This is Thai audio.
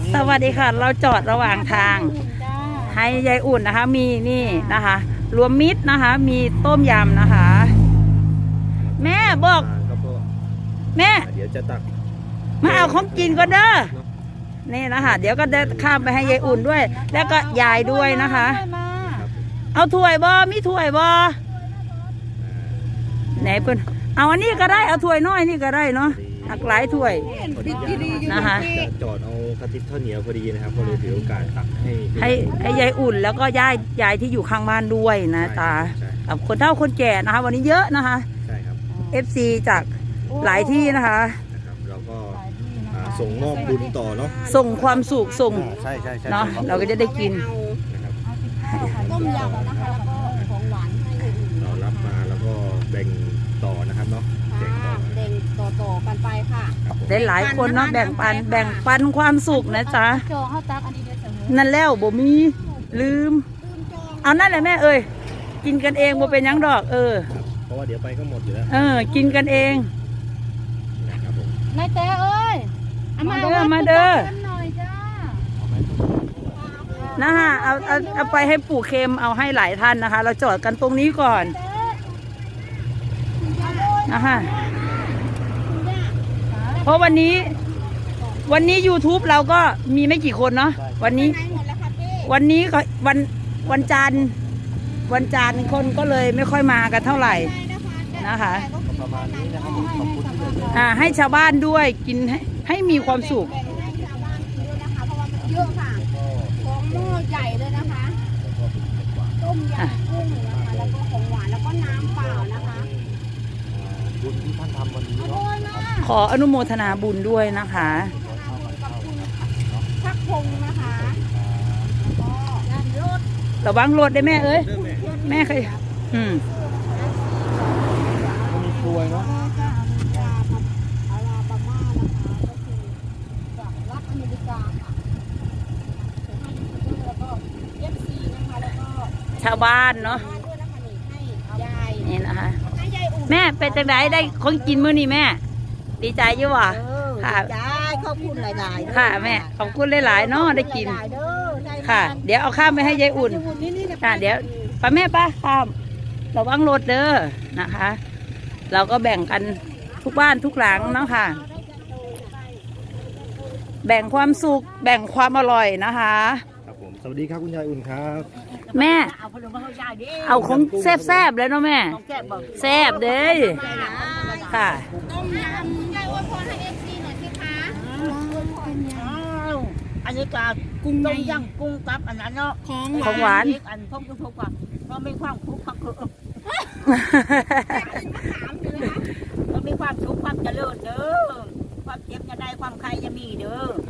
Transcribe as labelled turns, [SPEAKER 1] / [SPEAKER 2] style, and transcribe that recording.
[SPEAKER 1] สวัสดีค่ะเราจอดระหว่างทางให้ยายอุ่นนะคะมีนี่นะคะรวมมิตรนะคะมีต้มยำนะคะแม่บอกแม่
[SPEAKER 2] เดี๋ยวจะตัก
[SPEAKER 1] มาเอาของกินก็เด้อนี่นะคะเดี๋ยวก็จะข้ามไปให้ยายอุ่นด้วยแล้วก็ยายด้วยนะคะเอาถ้วยบอมีถ้วยบอไหนเพื่อนเอาอันนี้ก็ได้เอาถ้วยน้อยนี่ก็ได้เนาะหักหลายถ้วยนะคะ
[SPEAKER 2] จอดเอากระติบข้าวเหนียวพอดีนะครับก็เลยถือโอกาสตัก
[SPEAKER 1] ให้ยายอุ่นแล้วก็ยายที่อยู่ข้างบ้านด้วยนะตากับคนเฒ่าคนแก่นะคะวันนี้เยอะนะคะ
[SPEAKER 2] ใช่ครับ
[SPEAKER 1] FC จากหลายที่นะคะ
[SPEAKER 2] เราก็ส่งมอบบุญต่อเนาะ
[SPEAKER 1] ส่งความสุขส่ง
[SPEAKER 2] ใช่
[SPEAKER 1] เนาะเราก็จะได้กิน
[SPEAKER 3] ต้มยำนะคะแล้วก็ของหวานให้
[SPEAKER 2] เรารับมาแล้วก็แบ่งต่อนะครับเนาะ
[SPEAKER 3] แบ่งต่อกันไปค่ะ
[SPEAKER 1] ได้หลายคนเนาะแบ่งปันความสุขนะจ๊ะนั่นแล้วบ่มีลืมเอานั่นแหละแม่เอ้ยกินกันเองบ่เป็นยังดอก
[SPEAKER 2] เพราะว่าเดี๋ยวไปก็หมดอยู่แล้ว
[SPEAKER 1] กินกันเอง
[SPEAKER 3] นายเต้เอ้ย
[SPEAKER 1] มาเด้อนะฮะเอาไปให้ปู่เค็มเอาให้หลายท่านนะคะเราจอดกันตรงนี้ก่อนนะฮะเพราะวันนี้ YouTube เราก็มีไม่กี่คนเนาะวันนี้ก็วันจันทร์คนก็เลยไม่ค่อยมากันเท่าไหร่นะคะ
[SPEAKER 2] ประมาณนี้นะครับขอบคุณ
[SPEAKER 1] ให้ชาวบ้านด้วยกินให้มีความสุข
[SPEAKER 3] เยอะค่ะของหม้อใหญ่เลยนะคะต้มยำกุ้งนะคะแล้วก็ของหวานแล้วก็น้ำเปล่านะคะ
[SPEAKER 2] บุญที่ท่านทำวันนี้
[SPEAKER 1] ขออนุโมทนาบุญด้วยนะคะ
[SPEAKER 3] พักพงนะคะ
[SPEAKER 1] ระวังรถได้แม่เอ้ยแม่เคย
[SPEAKER 2] มีกล้วยเนาะ
[SPEAKER 1] ชาวบ้านเนาะนี่นะคะแม่เป็นจังไดได้ของกินมื้อนี้แม่ดีใจอยู่วะ
[SPEAKER 3] ค่ะขอบคุณหลายๆ
[SPEAKER 1] ค่ะแม่ขอบคุณหลายๆเนาะได้กินค่ะเดี๋ยวเอาข้ามไปให้ยายอุ่นค่ะเดี๋ยวป้าแม่ป้าข้ามระวังรถเด้อนะคะเราก็แบ่งกันทุกบ้านทุกหลังเนาะค่ะแบ่งความสุขแบ่งความอร่อยนะคะ
[SPEAKER 2] ครับผมสวัสดีครับคุณยายอุ่นครับ
[SPEAKER 1] แม่เอาของแซ่บๆเลยเนาะแม่แซ่บเด้ค่ะ
[SPEAKER 3] ต้มยำยายอวยพรให้FCหน่อยสิคะ
[SPEAKER 4] อันนี้ก็กุ้งต้มยำกุ้งกับอันนั้นเนาะ
[SPEAKER 1] ของหวาน
[SPEAKER 4] อันพวกว่าเราไม่ความคุกคักเรามีความสุขความเจริญเด้อความเจ็บจะได้ความใครจะมีเด้อ